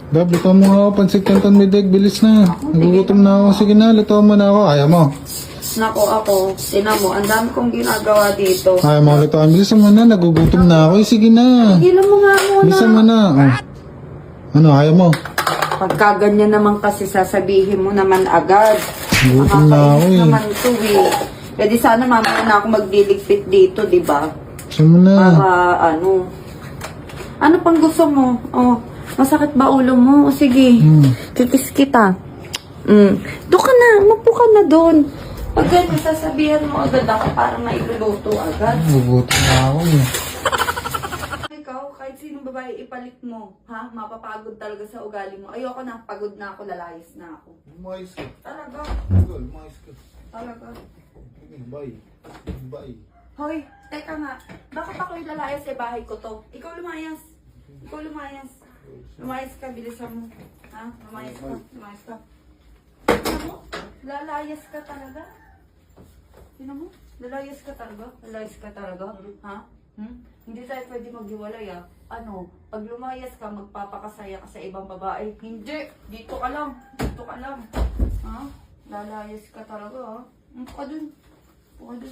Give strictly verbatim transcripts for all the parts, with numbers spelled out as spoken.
Dab, luto mo nga ako. Pansit canton may deg. Bilis na. Nagugutom na ako. Sige na, luto mo na ako. Ayaw mo. Nako ako, tinan mo, ang dami kong ginagawa dito. Ayaw mo lutoan. Bilisan mo na. Nagugutom na ako. Eh, sige na. Higilan mo nga muna. Bilisan mo na. Oh. Ano, ayaw mo? Pagka ganyan naman kasi sasabihin mo naman agad. Nagugutom na ako Nakakainis eh. naman ito eh. Pwede sana mamaya na ako magdiligpit dito, di ba? Bilisan mo na. Para ano. Ano pang gusto mo? Oh, masakit ba ulo mo? O sige, Hmm. kikis kita. Mm. Doon ka na, mapo ka na doon. Pag ganyan, sasabihan mo agad ako para mailuluto agad. Nagugutom na ako eh. Ikaw, kahit sinong babae ipalit mo, ha? Mapapagod talaga sa ugali mo. Ayoko na, pagod na ako, lalayas na ako. Umayos ka. Talaga, Umayos ka. talaga. Bye. Bye. Hoy, teka nga, bakit ako yung lalayas sa bahay ko to? Ikaw lumayas. Ikaw lumayas. Lumayas ka, bilisan mo. Ha? Lumayas ka, lumayas ka. Tignan mo, lalayas ka talaga. Tignan mo, lalayas ka talaga. Lalayas ka talaga. Ha? Hmm? Hindi tayo pwede maghiwalay ah. Ano, pag lumayas ka, magpapakasaya ka sa ibang babae. Hindi, dito ka lang. Dito ka lang. Ha? Lalayas ka talaga ha. Upo ka dun. Upo ka dun.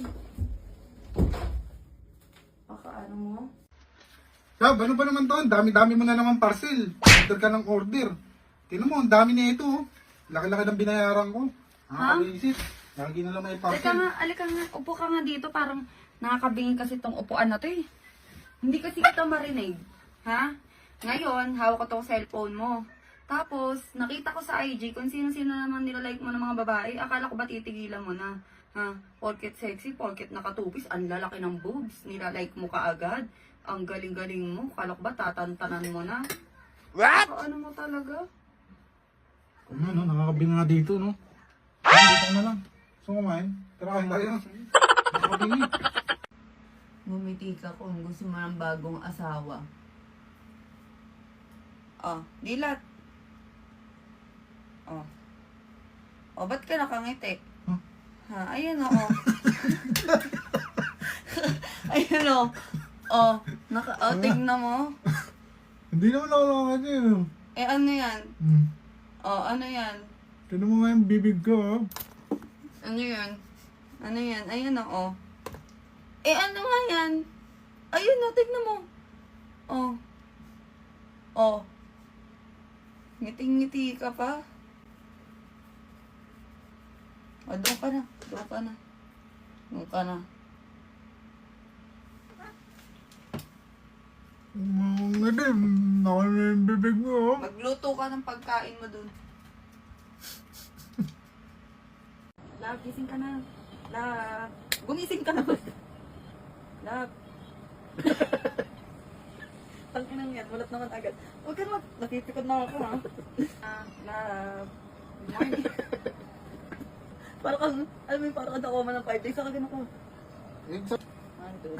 Baka ano mo? Gab, ano ba naman to? Ang dami-dami mo na naman parcel. Order ka ng order. Tingnan mo, ang dami na ito. oh. Laki-laki ng binayaran ko. Ha? Nakakaisit. Lagi na lang may Teka parcel. nga, alika nga. Upo ka nga dito. Parang nakakabingin kasi tong upuan na to eh. Hindi kasi kita marinig. Ha? Ngayon, hawak ko tong cellphone mo. Tapos, nakita ko sa I G kung sino-sino naman nilalike mo ng mga babae. Akala ko ba titigilan mo na? Ha? Porket sexy, porket nakatupis, ang lalaki ng boobs. Nilalike mo kaagad. Ang galing-galing mo. Akala ko ba tatantanan mo na? What? Ano mo talaga? Ano, no? Nakakabing nga dito, no? Ano, dito na lang. Gusto mo kumain? Tara, kain tayo. Nakakabing eh. Bumiti ka kung gusto mo ng bagong asawa. Oh, dilat. Oh. Oh, ba't ka nakangiti? Huh? Ha, ayun o. Oh. Ayun o. Oh, naka, oh, tignan mo. Hindi naman ako nakakabing eh. Eh, ano yan? Hmm. Oh, ano yan? Tignan mo nga yung bibig ko, oh. Ano yan? Ano yan? Ayun o. Oh. Eh, ano nga yan? Ayun o, tignan mo. Oh. Oh. Ngiting-ngiti ka pa. O, doon ka na. Doon ka na. Doon ka na. Mga din, ako na yung bibig mo, oh. Magluto ka ng pagkain mo doon. Love, gising ka na. Love. Gumising ka na ba? Love. Tanginang yan, walat naman agad. Huwag ka naman, napipikod na ako ha. Ah, love. Good morning. Parang kang, alam mo yung parang kada koma ng five days, saka ganun ko. One, two.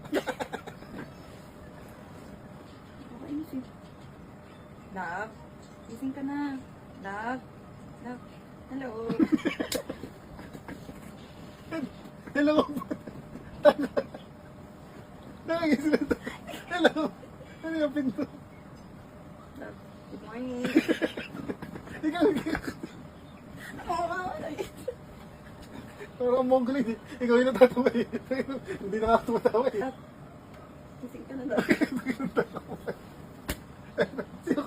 Nakainis eh. Love, gising ka na. Love. Love. Hello. Hello. Nangis na to. Hello. Ano yung pinto? Love. Good morning. Ikaw, Oo, wala eh. parang mongol eh. Ikaw yung natatawa eh. Hindi nakakatawa eh. Gising ka na daw. Sino